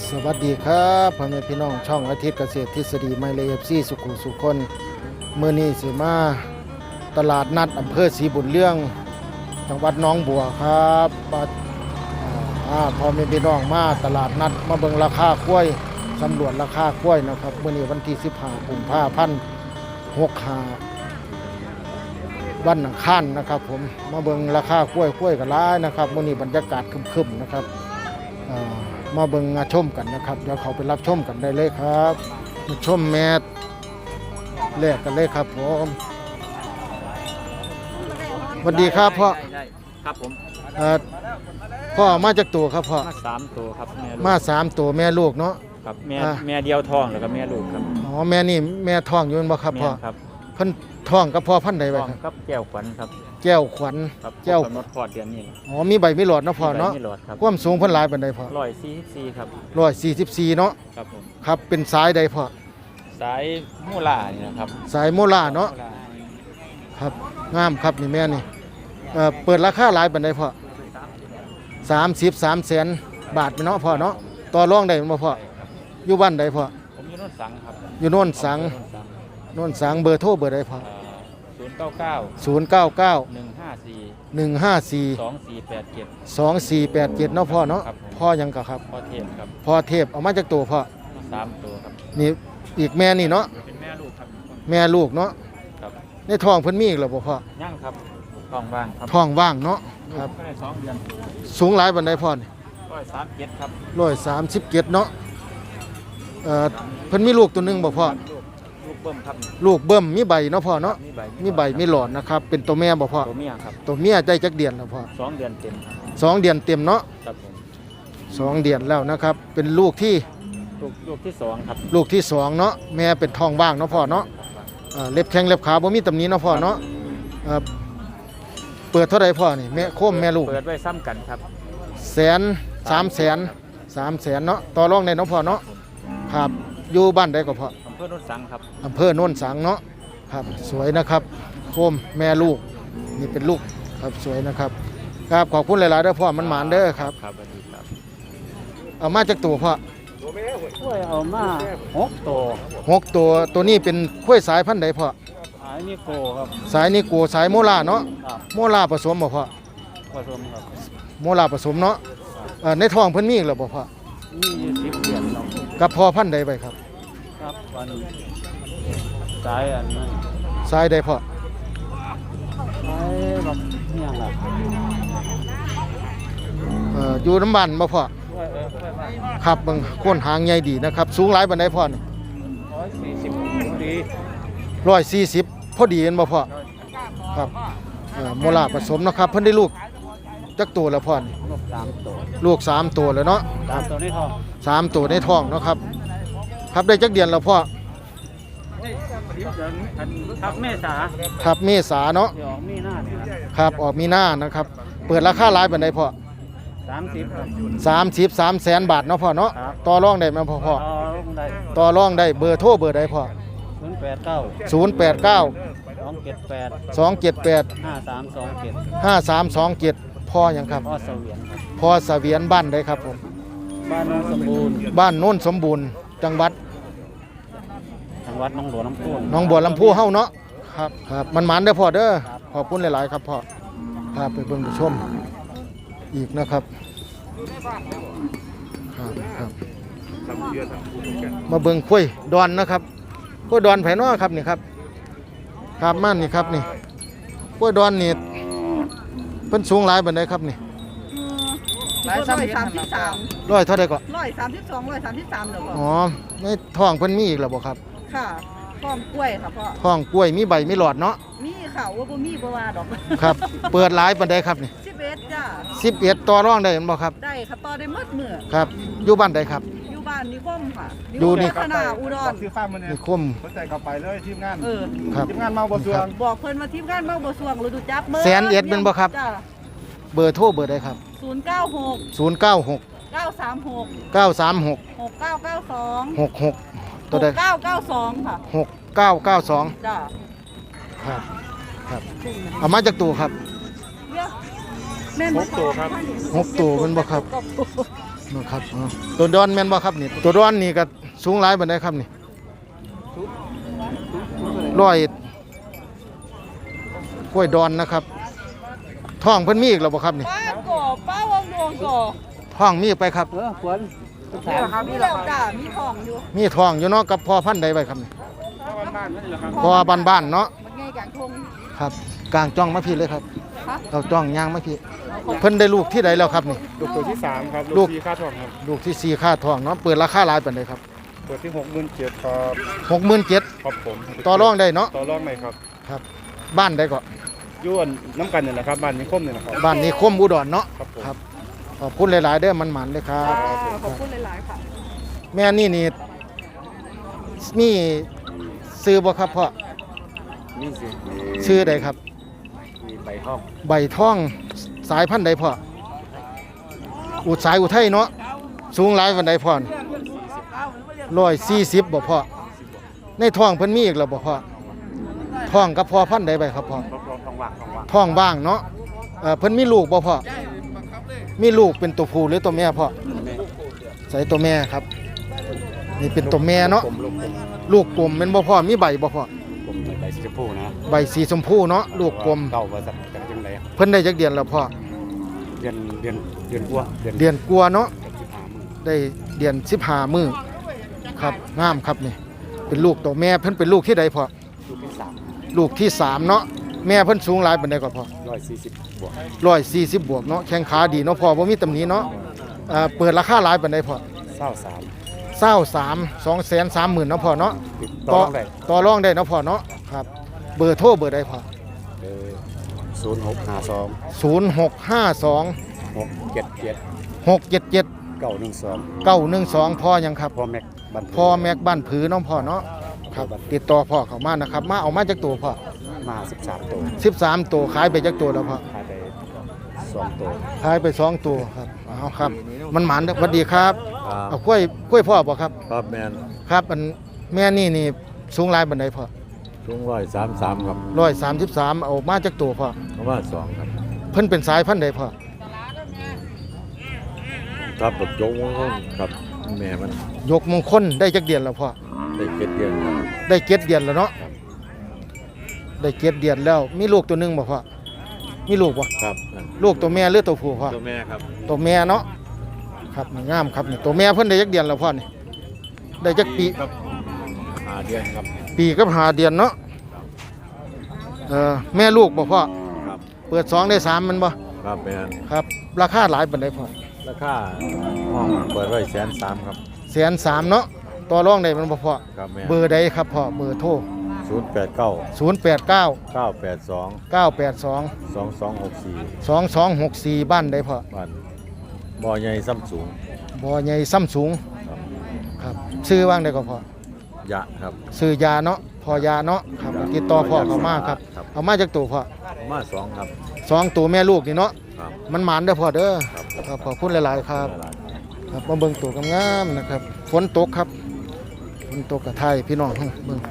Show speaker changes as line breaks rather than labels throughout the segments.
สวัสดีครับพ่อแม่พี่น้องช่องอาทิตย์เกษตรทฤษฎีไมเลฟซี่สุขุสุคนมื้อนี้สิมาตลาดนัดอำเภอศรีบุญเรื่องจังหวัดหนองบัวครับพ่อแม่พี่น้องมาตลาดนัดมาเบิ่งราคากล้วยสำรวจราคากล้วยนะครับมื้อนี้วันที่15กุมภาพันธ์65วันอังคารนะครับผมมาเบิ่งราคากล้วยกันหลายนะครับมื้อนี้บรรยากาศครึมๆนะครับมาเบิ่งมาชมกันนะครับเดี๋ยวเขาไปรับชมกันได้เลยครับมาชมแมทแรกกันเลยครับผมสวัสดีครับพ่อ
ครับผม
พ่อมาจากตัวครับพ่อ
มา3ตัวครับ
มา3ตัวแม่ลูกเนาะ
ครับแม่เดียวท้องแล้วก็แม่ลูกครับ
อ๋อแม่นี่แม่ท้องอยู่บ่ครับพ่อ
ครับ
เพิ่นท้องกับพ่อพันธุ์ใดไว้
ครับแก้วขวัญครับ
แก้วขวัญ
แก้วกำหนดคลอดเดือนนี้
อ๋อมีใบมีหลอดเนาะพ่อเนาะความสูงเพิ่นหลายปานใดพ่อ
144ครับ
144เนาะ
ครับผม
ครับเป็นสายใดพ่อ
สายมูล่านี่นะครับ
สายโมล่าเนาะครับงามครับนี่แม่นี่เปิดราคาหลายปานใดพ่อ33 แสนบาทเนาะพ่อเนาะต่อรองได้บ่พ่ออยู่บ้านใดพ่อ
ผมอยู่โน่นสังครับ
อยู่โน่นสังเบอร์โทรเบอร์ใดพ่อ
099 154 2487
เนาะพ่อเนาะพ่อยังกะครับ
พ่อเทพครับ
พ่อเทพเอามาจากตัวพ่อ
3ตัวครับ
นี่อีกแม่นี่เนาะ
เป็นแม่ลูกครับ
แม่ลูกเนาะ
ครับ
ในท้องเพิ่นมีอีกแล้วบ่พ่อ
ยังครับท้องว่างครับ
ท้องว่างเนาะครับ
ได้2เดือน
สูงหลายปานใดพ่อนี่
137ครับ
137เนาะเพิ่นมีลูกตัวนึงบ่พ่อ
ลูกเบิ่มครับ
ลูกเบิ่มมีใบเนาะพ่อเนาะมีใบมีหลอดนะครับเป็นตัวแม่บ่พ่อ
ตัวเมียครับ
ตัวเมียได้จักเดือนแล้วพ่อ
2 เดือนเต็ม
2 เดือนเต็มเนาะ
ครับผม
2 เดือนแล้วนะครับเป็นลูกที่
2ครับ
ลูกที่2เนาะแม่เป็นท้องว่างเนาะพ่อเนาะเล็บแข้งเล็บขาบ่มีตำหนิเนาะพ่อเนาะเปิดเท่าไรพ่อนี่แม่โคมแม่ลูก
เปิดไว้ซ้ำกันครับ
3 แสนเนาะต่อรองได้เนาะพ่อเนาะครับอยู่บ้านใดก็พ่อ
อำเภอโนนสังครับ
อำเภอโนนสังเนาะครับสวยนะครับโคมแม่ลูกนี่เป็นลูกครับสวยนะครับครับขอบคุณหลายๆเด้อพ่อมันหมานเด้อครับ
ครับสวัสดีครับ
เอามาจากตัวพ่อ
เอามา6
ตัวนี้เป็นข้วยสายพันธุ์ใดพ่อ
สายนิโก้ครับ
สายนิโก้สายโมล่าเนาะโมล่าผสมบ่พ่อ
ผสมครับ
โมล่าผสมเนาะในท้องเพิ่นมีอีกแล้วบ่พ่อ
มีอยู่10 เดือน
กับพ่อพันธุ์ใดไปครับ
ครับวันสายอันนั้น
สายใดพ่อ
สายแบบนี่ยังล่ะ
อยู่น้ำบ้านบ่พ่อครับเบิ่งโคนหางใหญ่ดีนะครับสูงหลายปานใดพ่อนี่
140ดี
140พอดีเห็นบ่พ่อครับโมล่าผสมนะครับเพิ่นได้ลูกจักตัวแล้วพ่อนี่ลูก3ตัวแล้วเนาะ
3ตัวในท้อง
3ตัวในท้องเนาะครับครับได้จักเดือนแล้วพ่อ
ครับเมษา
ครับเมษาเนาะ
ออกมีหน้า
ครับออกมีหน้านะครับเปิดราคาหลายปานใดพ่อ
30ครับ
33 แสนบาทเนาะพ่อเนาะต่อรองได้มั้ยพ่อต่อรองได้เบอร์โทรเบอร์ใดพ่อ089 278 5327พ่อหยังครับพ่อเสวียนบ้านใดครับผม
บ้านโน้นสมบูรณ์
จังหวัด
หนองบัวลำพู
เฮาเนาะครับมันหมานเด้อพ่อเด้อขอบคุณหลายๆครับพ่อพาไปเบิ่งไปชมอีกนะครับมาเบิ่งคุยดอนนะครับคุยดอนไผน้อครับนี่ครับครับม่านนี่ครับนี่คุยดอนนี่เพิ่นสูงหลายปานใดครับนี่
133
เท่าใดก็
132 133เด้อพ่อ
อ๋อในท้องเพิ่นมีอีกแล้วบ่ครับ
ค่ะท้องกล้วยค่ะพ่อ
ท้องกล้วยมีใบมีหลอดเนาะ
มีค่ะว่าบ่มีบ่ว่าดอก
ครับเปิดหลายปานใดครับนี่
11จ้า
11ต่อรองได้แม่นบ่ครับ
ได้ค่ะต่อได้หมดมื้อ
ครับอยู่บ้านใดครับ
อยู่บ้านนิคมค่ะ
อยู่นี่
คณะอุดร
ซื้อฟ้ามื้อนี้
นิคม
สนใจเข้าไปเลยทีมงาน
ครับ
ทีมงานเมาบ่สวง
บอกเพิ่นว่าทีมงานเมาบ่สวงฤดูจับมื้อ
แสนเอ็ดเป็นบ่ครับเบอร์โทรเบอร์ใดครับ
096 936 6992
66ตัวใด
992ค่ะ
6992
จ้า
ครับเอามาจากตัวครับ
แม่น
6ตัวครับ
6ตัวมันบ่ครับนะครับตัวดอนแม่นบ่ครับนี่ตัวดอนนี่ก็สูงหลายปานใดครับนี่ร้อยกล้วยดอนนะครับท้องเพิ่นมีอีกแล้วบ่ครับนี่
ป้าก่อป้าวงดวงก่อ
ท้องมีไปครับ
ฝน
มีแล้วจ้ามีทองอยู่
มีท้องอยู่เนาะกับพอพันธุ์ใดไว้ครับนี่
บ้านๆนั่นแหละครับ
พอบ้านๆเนาะ
มันไงกลางทง
ครับกลางจ้องมาพี่เลยครับ
ฮะ
เอาจ้องย่างมาพี่เพิ่นได้ลูกที่ใดแล้วครับนี่
ลูกตัวที่3ครับ
ลู
ลู
ก
กที่ค่าทองครับ
ลูกที่สี่ค่าท้องเนาะเปิดราคาหลายปานใดครับ
เปิดที่67,000ครับ
67,000
ครับผม
ต่อรองได้เนาะ
ต่อรองไหนครับ
ครับบ้านใดก็
ย้วนน้ำกันเนี่ยนะครับบ้านนี้คมเนี่ยนะครับ
บ้านนี้คมอุดรเนาะ
ครับผม
ครับขอบคุณหลายๆเด้อมันหมันเลยครับ
ขอบคุณหลายๆค่ะ
แม่นี่มีซื้อบ่ครับพ่อ
นี่สิ
ชื่อใดครับ
มีใบห้อง
ใบท่องสายพันธุ์ใดพ่ออุสายอุทัยเนาะสูงหลายปานใดพ่อ140บ่พ่อในท้องเพิ่นมีอีกแล้วบ่พ่อท้องกับพ่อพันธุ์ใดไปครับพ่อ
ทองว่าง
ท้องบ้างเนาะเพิ่นมีลูกบ่พ่อมีลูกเป็นตัวผู้หรือตัวแม่พ่อใส่ตัวแม่ครับนี่เป็นตัวแม่เนาะ ลูกกลมเป็นบ่พ่อมีใบบ่พ่อ
ผมใบสีชมพูนะ
ใบสีชมพูเนาะลูกกลม
เก่าว่าจากจังไร
เพิ่นได้จักเดือนแล้วพ่อ
เดือนกว่า
เดือนกลัวาเนาะ
15 มื้อ
ได้เดือน15มื้อครับงามครับนี่เป็นลูกตัวแม่เพิ่นเป็นลูกที่ใดพ่อ
ลูกที่
ลูกที่3เนาะแม่เพิ่นสูงหลายปานใดก่อนพ่อ
3 140บวก
140บวกเนาะแข้งขาดีเนาะพ่อบ่มีตำหนิเนาะเปิดราคาหลายปานใดพ่อ
23
230,000เนาะพ่อเนาะ
ติดต่อได้
ต่อรองได้เนาะพ่อเนาะครับเบอร์โทรเบอร์ใดพ่อ
0652
0652
677
677
912
912พ่อยังครับ
พ่อแม็กบัน
พ่อแม็กบ้านผือน้องพ่อเนาะครับติดต่อพ่อเข้ามานะครับมาเอามาจากตัวพ่อ
มา13ตัว
13ตัวขายไปจากตัวแล้วพ่อ
ขายไป2ตัว
ขายไป2ตัวครับเอาครับมันหมานเด้อสวัสดีครับเอากล้วยพ่อบ่ครับ
ครับแมน
ครับอันแม่นี่สูงหลายบันไดพ่อ
ช่วง133ครับ
133เอามาจากตัวพ่อ
เพราะว่า2ครับ
เพิ่นเป็นสายพันธุ์ใดพ่อ
ครับแบบยกมันครับแม่มัน
ยกมงคลได้จักเดือนแล้วพ่อ
ได้เก็ดเดือนครับ
ได้7เดือนแล้วเนาะได้7เดือนแล้วมีลูกตัวหนึงบ่พ่อมีลูกบ่
ครับนั่น
ลูกตัวแม่หรือตัวผู้พ่อ
ตัวแม่ครับ
ตัวแม่เนาะครับนี่งามครับนี่ตัวแม่เพิ่นได้จักเดือนแล้วพ่อนี่ได้จักปี
ครับ5เดือนครับ
ปีกับ5เดือนเนาะแม่ลูกบ่พ่อ
ครับ
เปิด2ได้3มันบ่
ครับแมน
ครับราคาหลายปานใดพ่อ
ราคาห้องเปิดไว้130,000ครับ
130,000เนาะต่อรองได้มันบ่พ่อ
ครับแม่
เบอร์ใดครับพ่อเบอร์โทร
089
089
982
982
2264
2264บ้านใดพ่อ
บ้านบ่อใหญ่ซ้ำสูง
บ่อใหญ่ซ้ำสูง
ครับ
ครับชื่อว่างได้ก็พ่อย
ะครับ
ชื่อยาเนาะพ่อยาเนาะครับติดต่อพ่อเขามาครับ
ครับ
เอามาจากตัวพ่อ
มา2ครับ
2ตัวแม่ลูกนี่เนาะ
ครับ
มันหมานเด้อพ่อเด้อ
ครับ
ครับขอบคุณหลายๆครับครับมาเบิ่งตัวงามๆนะครับฝนตกครับฝนตกกับไทยพี่น้องเบิ่ง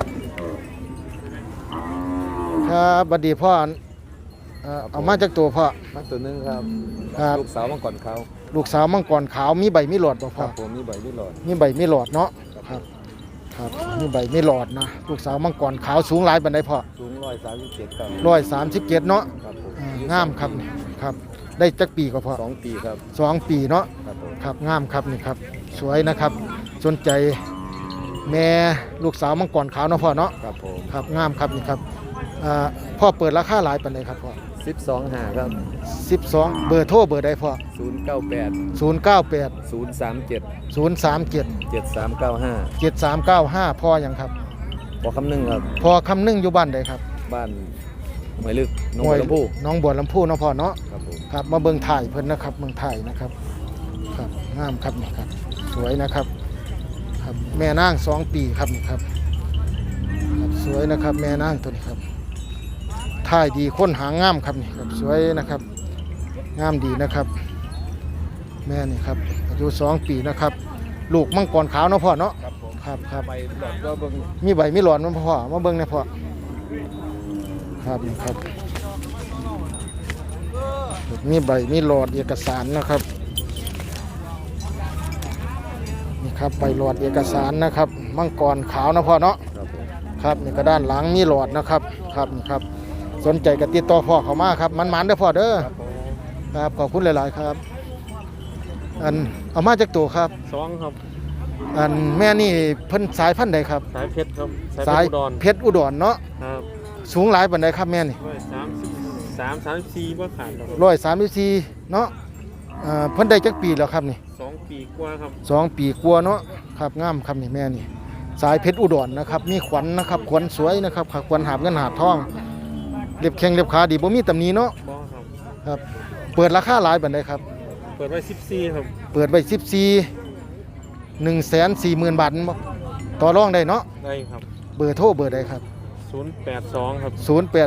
ครับบัดดีพ่อเอามาจากตัวพ่อ
มาตัวหนึงครับ
ครับ
ลูกสาวมังกรเขาว
ลูกสาวมังกรขาวมีใบมีหลอดบ่
ค
พ่อ
รับผมมีใบมีหลอด
มีใบมีหลอดเนาะครับครับมีใบมีหลอดนะลูกสาวมังกรขาวสูงหลายปานใดพ่อ
สูง137ครับ
137เนาะ
ครับผม
งามครับนี่ครับได้จักปีก็พอ
2 ปีครับ
2 ปีเนาะ
ครับผม
ครับงามครับนี่ครับสวยนะครับสนใจแม่ลูกสาวมังกรขาวเนาะพ่อเนาะ
ครับผม
ครับงามครับนี่ครับพ่อเปิดราคาหลายปานใดครับพ่อ
12หาครับ
12เบอร์โทรเบอร์ใดพ่อ
098
098
037
037
7395
7395พ่อยังครับ
พอคำนึงครับ
พ่อคำนึงอยู่บ้านใดครับ
บ้านหมายลึกหนองบัวลำพู
น้องบัวลำพูเนาะพ่อเนาะ
ครับผม
ครับมาเบิ่งถ่ายเพิ่นนะครับเบิ่งถ่ายนะครับครับงามครับนี่ครับสวยนะครับครับแม่นาง2 ปีครับนี่ครับครับสวยนะครับแม่นางตัวนี้ครับถ่ายดีค้นหางามครับนี่ครับสวยนะครับงามดีนะครับ แม่นี่ครับอายุ2 ปีนะครับ ลูกมังกรขาวเนาะพ่อเนาะครับครับ
ใบหลอดก็เบิ่ง
มีใบมีหลอดเนาะพ่อมาเบิ่งหนะพ่อครับนี่ครับมีใบมีหลอดเอกสารนะครับครับใบหลอดเอกสารนะครับมังกรขาวนะพ่อเนาะ
ครับผม
ครับนี่ก็ด้านหลังมีหลอดนะครับครับนี่ครับสนใจก็ติดต่อพ่อเขามาครับมันๆเด้อพ่อเด้อครับขอบคุณหลายๆครับอันเอามาจากตัวครับ
สองครับ
อันแม่นี่เพิ่นสายพันธุ์ใดครับ
สายเพชรครับ
สาย
อุดร
เพชรอุดรเนาะ
ครับ
สูงหลายปานใดครับแม่นี่
133 บ่ขาดแล้วครับ
134เนาะเพิ่นได้จักปีแล้วครับนี่
2 ปีกว่าครับ
2 ปีกว่าเนาะครับงามครับนี่แม่นี่สายเพชรอุดรนะครับมีขวัญนะครับขวัญสวยนะครับขวัญหาบเงินหาบทองเล็บแข้งเล็บขาดีบ่มีตำหนิเนาะ
บ่ครับ
ครับเปิดราคาหลายปานใดครับ
เปิดไว้14ครับ
เปิดไว้14 140,000 บาทบ่ต่อรองได้เนาะ
ได้ครับ
เบอร์โทรเบอร์ใดครับ
082ครับ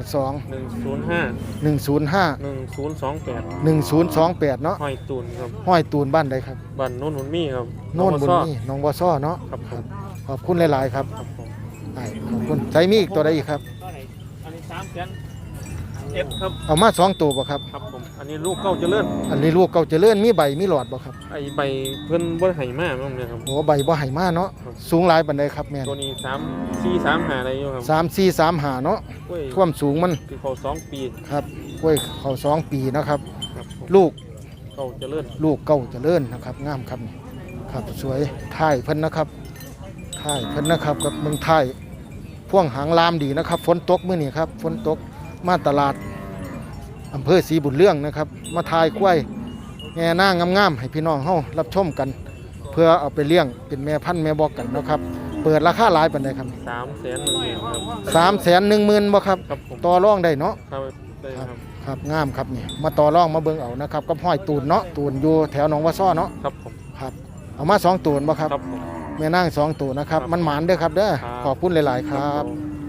082
105
105
1028
1028เนาะ
ห้อยตูนครับ
ห้อยตูนบ้านใดครับ
บ้านโน่นหุ่นมีครับ
โน่นบุญ
ซ้อ
นี่หนองบัวซ้อเนาะ
ครับผม
ขอบคุณหลายๆครับ
ครับผม
ได้ขอบคุณใส่มีอีกตัวใดอีกครับ
อันนี้3แสนเอ็ดครับ
เอามา2ตัวบ่ครับ
ครับผมอันนี้ลูกเก้าเจริญ
อันนี้ลูกเก่าเจริญมีใบมีหลอดบ่ครับ
ไอใบเพิ่นบ่ให้มาแม่นเลยครับ
โอ้ใบบ่ให้มาเนาะ
ครับ
สูงหลายปานใดครับแม่น
ตัวนี้3 4 3 5อะไรอยู่ครับ
3 4 3 5เนาะ
กล้วย
ความสูงมัน
คือเขา2 ปี
ครับกล้วยเขา2 ปีนะครับ
ครับผม
ลูก
เก้าเจริญ
ลูกเก่าเจริญนะครับงามครับนี่ครับสวยท้ายเพิ่นนะครับท้ายเพิ่นนะครับกับเมืองไทยพ่วงหางลามดีนะครับฝนตกมื้อนี้ครับฝนตกมาตลาดอำเภอศรีบุญเรื่องนะครับมาทายกล้วยแง่นางงามๆให้พี่น้องเฮารับชมกัน เพื่อเอาไปเลี้ยงเป็นแม่พันธุ์แม่บอกกันเนาะครับเปิดราคาหลายปานใดครับ
310,000ครับ
310,000บ่ครับ
ครับผม
ต่อรองได้เนาะ
ครับได้ครับ
ครับงามครับนี่มาต่อรองมาเบิ่งเอานะครับกับห้อยตูนเนาะตูนอยู่แถวหนองวัวซ้อเนาะ
ครับผม
ครับเอามา2ตูนบ่ครับ
ครับผม
แม่นาง2ตัวนะครับ
ครับ
มันหมานเด้อครับเด้อ
ครับ
ขอบคุณหลาย ๆ ครับ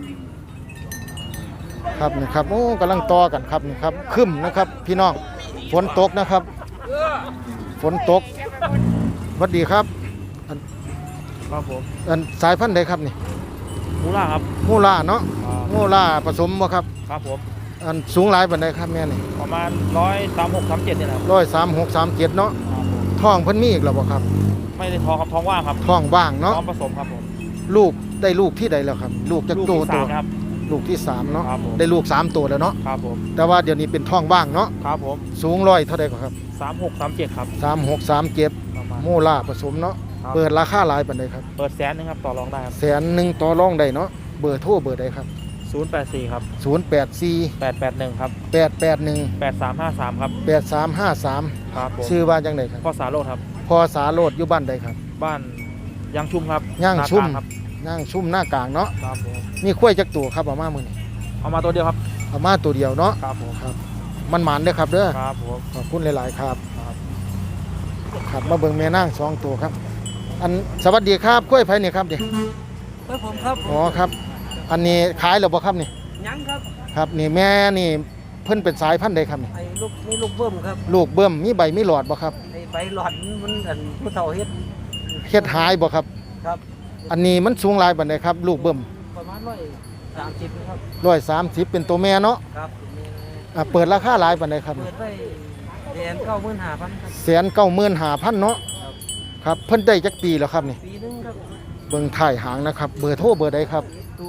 ครับนี่ครับโอ้กำลังต่อกันครับนี่ครับครึ้มนะครับ พี่น้องฝนตกนะครับฝนตกสวัสดีครับ
ครับผม
อันสายพันธุ์ใดครับนี่
มูล่าครับ
มูล่าเนาะมูล่าผสมบ่ครับ
ครับผม
อันสูงหลายปานใดครับแม่นี่
ประมาณ136 37เนี่ยนะครับ
136 37เนาะท้องเพิ่นมีอีกแล้วบ่ครับ
ไม่ได้ท้องครับท้องว่างครับ
ท้องว่างเนาะ
ท้องผสมครับผม
ลูกได้ลูกที่ใดแล้วครับ ลูกจาก
ลูก
ตัว
ที่
ตัว
3ครับ
ลูกที่3เนาะ
ครับผม
ได้ลูก3ตัวแล้วเนาะ
ครับผม
แต่ว่าเดี๋ยวนี้เป็นท้องว่างเนาะ
ครับผม
สูงร้อยเท่าใดกว่าครับ
36 37ครับ
3637
ประมาณ
โมล่าผสมเนาะ
ครับ
เปิดราคาหลายปานใดครับ
เปิด100,000นึงครับต่อรองได้ครับ
100,000ต่อรองได้เนาะเบอร์โทรเบอร์ใดครับ
084ครับ
084
881ครับ
881
8353ครับ
8353
ครับผม
ชื่อว่าจังไดครับ
พ่อสาโรดครับ
พอสาโรดอยู่บ้านใดครับ
บ้านยางชุ่มครับ
ย่างชุ่ม
หน้กลครับ
นั่งชุ่มหน้ากลางเนาะ
ครับผม
มีข้วยจักตัวครับเอามามื้อนี้
เอามาตัวเดียวครับ
เอามาตัวเดียวเนาะ
ครับผม
มันหมานเด้อครับเด้อ
ครับผม
ขอบคุณหลาย ๆ ครับ
ครับ
ครับมาเบิ่งแม่นาง2ตัวครับ อันสวัสดีครับกล้วยไผนี่ครับนี่
ผมครับ
อ๋อครับ อันนี้ขายแล้วบ่ครับนี่
ยังครับ
ครับนี่แม่นี่เพิ่นเป็นสายพันธุ์ใดครับนี่
ไอ้ลูกนี่ลูกเบิ้มครับ
ลูกเบิ่มมีใบมีหลอดบ่ครับ
ไอ้ใบหลอดมันอันผู้เฒ่าเฮ็ด
เฮ็ดหายบ่ครับ
ครับ
อันนี้มันสูงหลายปานใดครับ ลูกเบิ่ม
ประมาณ130ครับ
130เป็นตัวแม่เนาะ
ครับ
เปิดราคาหลายปานใดครับ
เปิดไว้195,000ครับ
195,000เนาะครับเพิ่นได้จักปีแล้วครับนี่
ปีนึงครับ
เบิ่งถ่ายหางนะครับ เบอร์โทรเบอร์ใดครับ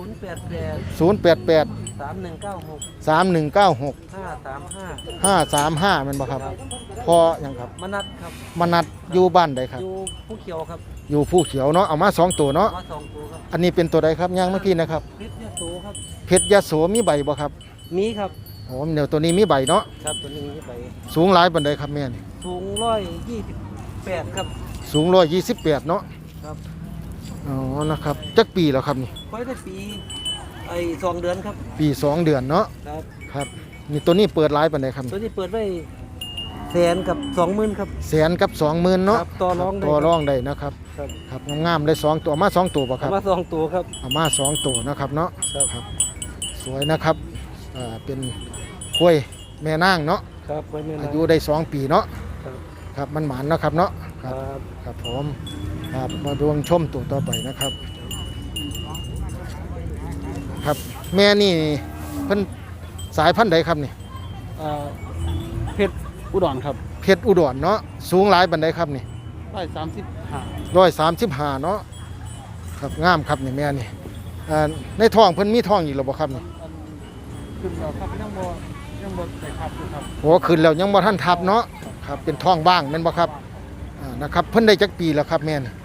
088
088
3196
3196
535
535แม่นบ่ครับพอหยังครับ
มนัดครับ
มนัดอยู่บ้านใดครับ
อยู่ผู้เขียวครับ
อยู่ผู้เขียวเนาะเอามา2ตัวเนาะ
มา2ตัวครับ
อันนี้เป็นตัวใดครับย่างเมื่อกี้นะครับ
พิษเนี่ยโตครับ
เพชรยโสมีใบบ่ครับ
มีครับ
โอ้เดี๋ยวตัวนี้มีใบเนาะ
ครับตัวนี้ไป
สูงหลายปานใดครับแม่นี่
สูง128ครับ
สูง128เนาะ
ครับ
อ๋อนะครับจักปีแล้วครับนี่
ค่อยได้ปีไอ้2 เดือนครับ
ปี2 เดือนเนาะ
ครับ
ครับนี่ตัวนี้เปิดหลายปานใดครับ
ตัวนี้เปิดไว้100,000กับ20,000ครับ
แสนกับ20,000เนาะ
ครับต่อรองได้
ต่อรองได้นะครับ
ครับ
ครับงามๆได้2ตัวเอามา2ตัวบ่ครับ
เอามา2ตัวครับ
เอามา2ตัวนะครับเนาะ
ครับ
ครับสวยนะครับเป็นกล้วยแม่นางเนาะ
ครับไว้ไม่
อา
นา
ยุได้2 ปีเนาะ
ครับ
ครับมันหมานเนาะครับเนาะค
ค
รั
รั
บบ ครับผมครับมาดวงชมตัวต่อไปนะครับครับแม่นี่เพิ่นสายพันธุ์ใดครับนี่
เพชรอุดรครับ
เพชรอุดรเนาะสูงหลายปานใดครับนี่
135
135เนาะครับงามครับนี่แม่นี่ในท้องเพิ่นมีท้องอีกแล้วบ่ครับนี่
ขึ้นแล้วครับยังบ่ได้ครับอยู่ครับ
โอ้ขึ้นแล้วยังบ่ทันทับเนาะครับเป็นท้องว่างแม่นบ่ครับนะครับเพิ่นได้จักปีแล้วครับแม่นี่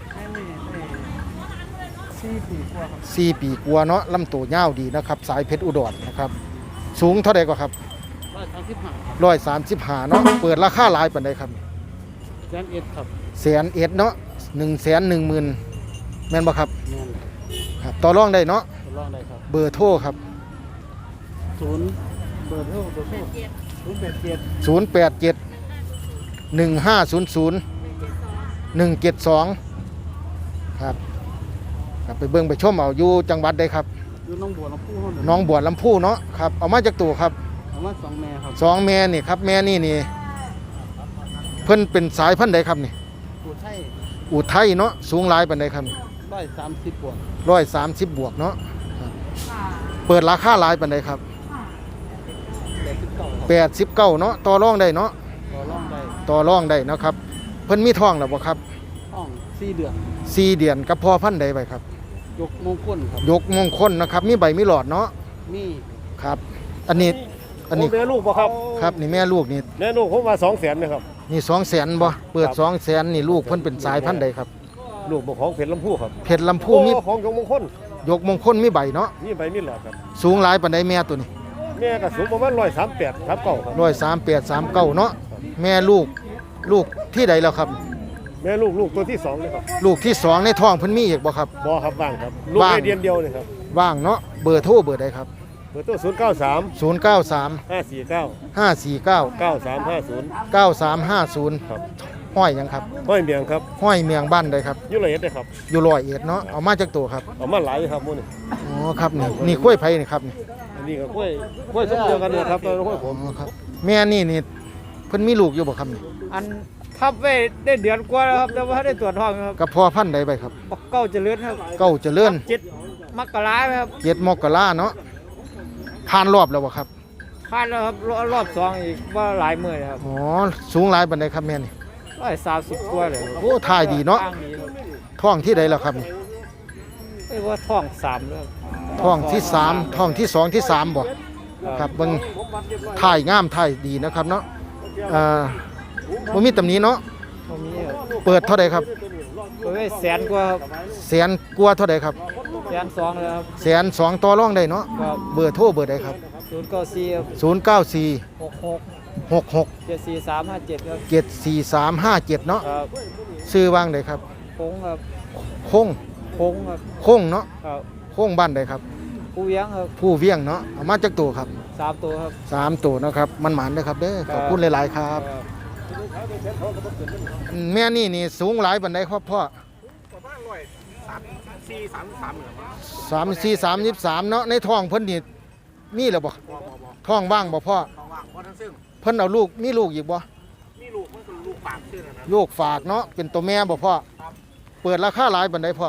4 ปีกว่าครับ
4 ปีกว่าเนาะลำตัวยาวดีนะครับสายเพชรอุดรนะครับสูงเท่าใดก็ครับ 135เนาะเปิดราคาหลายปานใดครับ
แสนเอ็ดครับ
100,000เนาะ110,000แม่นบ่ครับ
แม่น
ครับต่อรองได้เนาะ
ทดลองได้ครับ
เบอร์โทรครับ
0เบอร์โทร087
087 1500 172ครับครับไปเบิ่งไปชมเอาอยู่จังหวัดใดครับ
อยู่หน้องบัวลำพูเฮา
หน้องบัวลำพูเนาะครับเอามาจากตัวครับ
ประมาณ2แม่ครับ
2 แม่นี่ครับแม่นี่เพิ่นเป็นสายพันธุ์ใดครับนี่
ผู้ไทย
อุทัยเนาะสูงหลายปานใดครับ
130บวก
130บวกเนาะครับเปิดราคาหลายปานใดครับ
89ครับ
89เนาะต่อรองได้เนาะ
ต่อรองได้
ต่อรองได้นะครับเพิ่นมีท้องแล้วบ่ครับ
ห้อง4เดือน
4 เดือนกับพ่อพันธุ์ใดไปครับ
ยกมงคลครับ
ยกมงคลนะครับมีใบมีหลอดเนาะ
มี
ครับอันนี้
แม่ลูกบ่ครับ
ครับนี่แม่ลูกนี่
แม่ลูกผมว่า200,000นะครับ
นี่200,000บ่เปิด 200,000นี่ลูกเพิ่นเป็นสายพันธุ์ใดครับ
ลูกบ่ของเพชรลำพูครับ
เพชรลำพูมี
ของยงมงคล
ยกมงคลมีใบเนาะ
มีใบมีหลอดครับ
สูงหลายปานใดแม่ตัวนี้
แม่ก็สูงประมาณ138ครับเก่าครับ
138 39เนาะแม่ลูกที่ใดแล้วครับ
แม่ลูกตัวที่2เลยครับ
ลูกที่สองในท้องเพิ่นมีอีกบ่ครับ
บ่ครับว่างครับลูก
ว่าง
แม่เดียนเดียวเลยครับ
ว่างเนาะเบอร์โทรเบอร์ใดครับ
เบอร์โทร093
093
549
549
9350
9350
ครับ
ห้อยหยังครับ
ห้อยเมียงครับ
ห้อยเมียงบ้านใดครับ
อยู่ละเอียดเลยครับ
อยู่ร้อยเอ็ดเนาะเอามาจากตัวครับ
เอามาหลายครับหมื้อนี้
อ๋อครับนี่กล้วยไผ่นี่ครับนี่
อันนี้ก็กล้วยส้มเดียวกันเลยครับตัวกล้วยผ
อ๋
ม
อครับแม่นี่เพิ่นมีลูกอยู่บ่ครับนี่
อันทับไว้ได้เดือนกว่าแล้วครับแต่ว่าได้ตรวจท้องครับ
กับพ่อพันธุ์ใดไปครับ
บักเก้าเจริญครับ
เก้าเจริญ
7 มกราครับ
7 มกราเนาะผ่านรอบแล้วบ่ครับ
ผ่านแล้วครับรอบ2อีกว่าหลายมื้อเลยครับ
อ๋อสูงหลายปานใดครับแม่นี่
130กว่าเลย
โอ้ถ่ายดีเนาะ
ทางดีครับ
ท้องที่ใดแล้วครับนี่
เอ้ยว่าท้อง3แล้ว
ท้องที่สามท้องที่สองที่สามบ่ครับเบิ่งถ่ายงามถ่ายดีนะครับเนาะบ่มีตำหนิเนาะ
บ่มีครับ
เปิดเท่าใดครับ
เปิดไว้แสนกว่าครับ
แสนกว่าเท่าใดครับ
แสนสองเลยครับ
แสนสองต่อรองได้เนาะ
ครับ
เบอร์โทรเบอร์ใดครับ
094ครับ
094
66
66
74357ครับ
74357เนาะ
ครับ
ชื่อว่างใดครับ
พงครับ
คง
พงครับ
คงเนาะ
ครับ
คงบ้านใดครับ
ผู้เลี้ยงครับ
ผู้เวียงเนาะเอามาจากตัวครับ
3ตัวครับ
3ตัวนะครับมันหมานเด้อครับเด้อขอบคุณหลายๆครับแม่นี่สูงหลายปานใดครับพ่อ34 33เนาะในท้องเพิ่นนี่มีแล้วบ่ท้องว่างบ่พ่อเพิ่นเอาลูกมีลูกอีกบ่ลูกฝากเนาะเป็นตัวแม่บ่พ่อเปิดราคาหลายปานใดพ่อ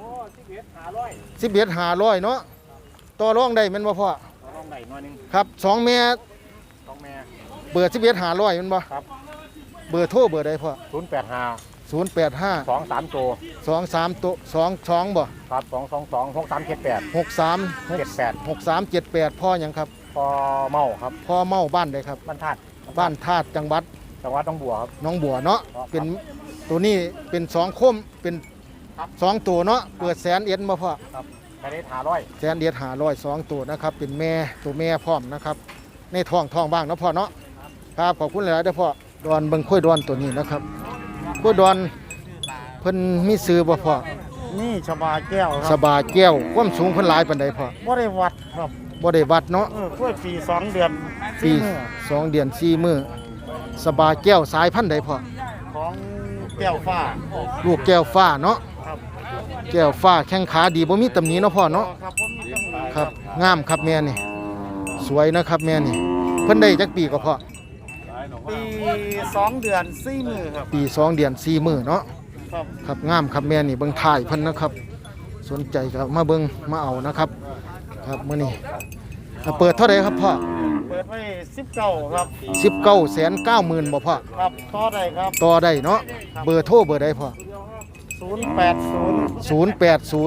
11,500เนาะต่อรองได้แม่นบ่พ่อครับ2แม่เปิด11,500แม่นบ่เบอร์โทรเบอร์ใดพ่อ
085
085
23ตัว
23ตัว22บ่
ครับ222 6378
63 6378พ่อหยังครับ
พอเมาครับ
พ่อเมาบ้านใดครับ
บ้านธาตุ
บ้านธาตุจังหวัด
จังหวัดหนองบัวครับ
หน้องบัวเนาะเป็นตัวนี้เป็น2คมเป็น2ตัวเนาะเปิด100,000บ่พ่อ
ไปได้500
100,500 2ตัวนะครับเป็นแม่ตัวแม่พร้อมนะครับในท้องบ้างเนาะพ่อเนาะครับขอบคุณหลายๆเด้อพ่อดอนเบิ่งค่อยดอนตัวนี้นะครับค่อยดอนเพิ่นมีซื้อบ่พ่อ
นี่ชบาแก้วค
ส
รับบ
าแก้วความสูงเพิ่นหลายปานใดพ่อ
บ่ได้วัดครับ
บ่ได้วัดเนาะ
กล้วยปี2เดือน
ปี2เดือน4มื้อสบาแก้วสายพันธุ์ใดพ่อ
ของแก้วฟ้า
ลูกแก้วฟ้าเนาะ
ครับ
แก้วฟ้าแข้งขาดีบ่มีตำหนิเนาะพ่อเนาะ
ครับผมมีจังหลาย
ครับงามครับแม่นี่สวยนะครับแม่นี่เพิ่นได้จักปีก็พ่อ
ปี2เดือน4มื้อครับ
ปี2เดือน4มื้อเนาะ
ครับ
ครับงามครับแม่นี่เบิ่งถ่ายเพิ่นนะครับ สนใจก็มาเบิ่งมาเอานะครับ ครับมื้อนี้เปิดเท่าไหร่ครับพ่อ
เปิดไว้19ครับ
19,90,000บ่พ่อ
ครับต่อได้ครับ
ต่อได้เนาะเบอร์โทรเบอร์ใดพ่อ 080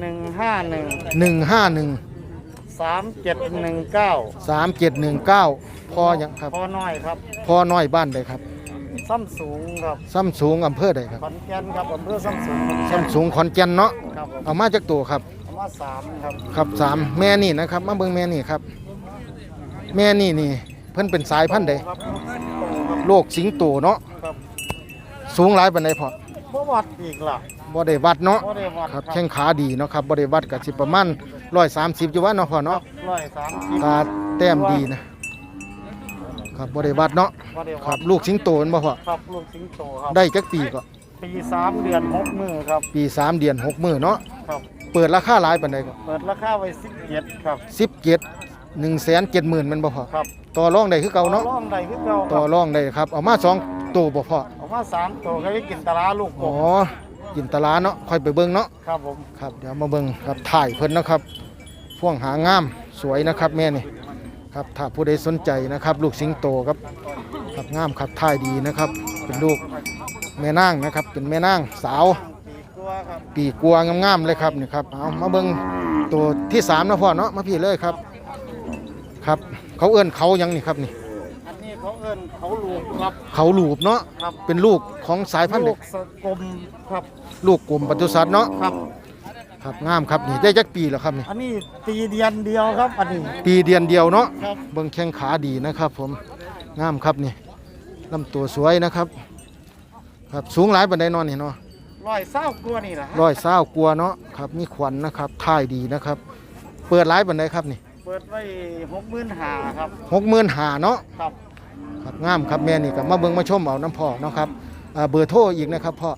151
151
3719
3719พอยังครับ
พอน้อยครับ
พอน้อยบ้านใดครับ
ซ้ำสูงครับ
ซ้ำสูงอำเภอใดครับ
ขอนแก่นครับอำเภอซ้ำสูง
ซ้ำสูงขอนแก่นเนาะ
ครับผม
เอามาจากตัวครับ
เอามา3ครับ
ครับ3แม่นี่นะครับมาเบิ่งแม่นี่ครับ แม่นี่เพิ่นเป็นสายพันธุ์ใด
ครับ
โรคสิงโตเนาะ
ครับ
สูงหลายปานใดพอ
บ่วัดอีกล่ะ
บ่ได้วัดเนาะ
บ่ได้วัด
ครับแข้งขาดีเนาะครับบ่ได้วัดก็สิประมาณ130อยู่ว่าเนาะพ่อเนาะ
130
ตาแต้มดีนะครับบ่ได้วัดเนาะ
บ่ได้
ค
วั
รั
ด
บลูกสิงโตแม่นบ่พ่อ
ครับลูกสิงโตครับ
ได้จักปีก็
ปี3 เดือน 6 มื้อครับ
ปี3เดือน6มื้อเนาะ
ครับ
เปิดราคาหลายปานใดก็
เปิดราคาไว้17ครับ
17 170,000แม่นบ่พ่อ
ครับ
ต่อรองได้คือเก่าเนาะ
ร่องใดคือเก่าค
ต่อ
รับ
รองได้ครับเอามา2ตัวบ่พ่อ
เอามา3ตัวก็ได้กินตะลาลูกก
อ๋อบ กินตลาเนาะค่อยไปเบิ่งเนาะ
ครับผม
ครับเดี๋ยวมาเบิ่งครับถ่ายเพิ่นนะครับพ่วงหางามสวยนะครับแม่นี่ครับถ้าผู้ใดสนใจนะครับ ลูกสิงโตครับครับงามครับถ่ายดีนะครับ เป็นลูกแม่นางนะครับ เป็นแม่นางสาว
ปีกว่าครับ
ปีกลัวงามๆเลยครับนี่ครับเอามาเบิ่งตัวที่3นะพ่อเนาะมาพี่เลยครับครับ เขาเอื้อนเขาหยังนี่ครับนี่
อันนี้เขาเอิ้นเขาลูกครับ
เขาหลูบเนาะ
ครับ
เป็นลูกของสายพันธุ์
ลู
เด็ก
กสกลมครับ
ลูกกลุ่มปศุสัตว์เนาะ
ครับ
ครับงามครับนี่ได้จักปีแล้วครับนี่
อันนี้ตีเดียนเดียวครับ อันนี้
ปีเดือนเดียวเนาะ
ครับ
เบิ่งแข้งขาดีนะครับ ผมงามครับนี่ลำตัวสวยนะครับ ครับสูงหลายปานใดเนอนนี่เนาะ
120กว่านี่แหละฮะ
120กว่าเนาะครับมีขวัญนะครับท่ายดีนะครับ เปิดหลายปานใดครับนี่
เปิดไว้65,000ครับ
65,000เนาะ
ครับ
ครับงามครับแม่นี่ก็มาเบิ่งมาชมเอาน้ำพ่อเนาะครับเบอร์โทรอีกนะครับพ่อ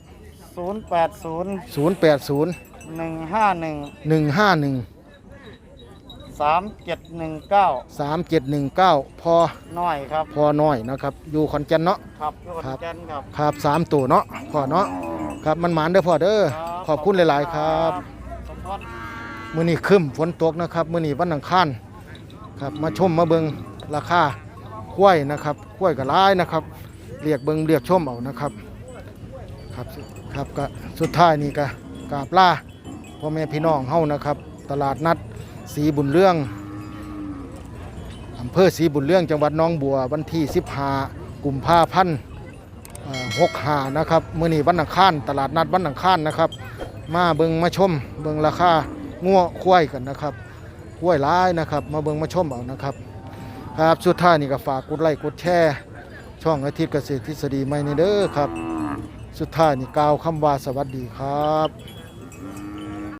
080
080
151
151
3719
3719พอ
น้อยครับ
พอน้อยนะครับอยู่ขอนแก่นเนาะ
ครับอยู่ขอนแก่นครับ
ครับ3ตัวเนาะพ่อเนาะครับมันหมานเด้อพ่อเด้อขอบคุณหลายๆครับ
สมพร
มื้อนี้ครึ้มฝนตกนะครับมื้อนี้วันอังคารครับมาชมมาเบิ่งราคาควายนะครับควายก็หลายนะครับเรียกเบิ่งเรียกชมเอานะครับครับก็สุดท้ายนี่ก็กราบลาพ่อแม่พี่น้องเฮานะครับ ตลาดนัดศรีบุญเรื่องอำเภอศรีบุญเรื่องจังหวัดหนองบัววันที่15กุมภาพันธ์65นะครับมื้อนี้วันอังคารตลาดนัดวันอังคารนะครับ มาเบิ่งมาชมเบิ่งราคางัวควายกันนะครับควายหลายนะครับ มาเบิ่งมาชมเอานะครับครับสุดท้ายนี่ก็ฝากกดไลค์กดแชร์ช่องอาทิตย์เกษตรทฤษฎีใหม่นี่เด้อครับ สุดท้ายนี่กล่าวคำว่าสวัสดีครับ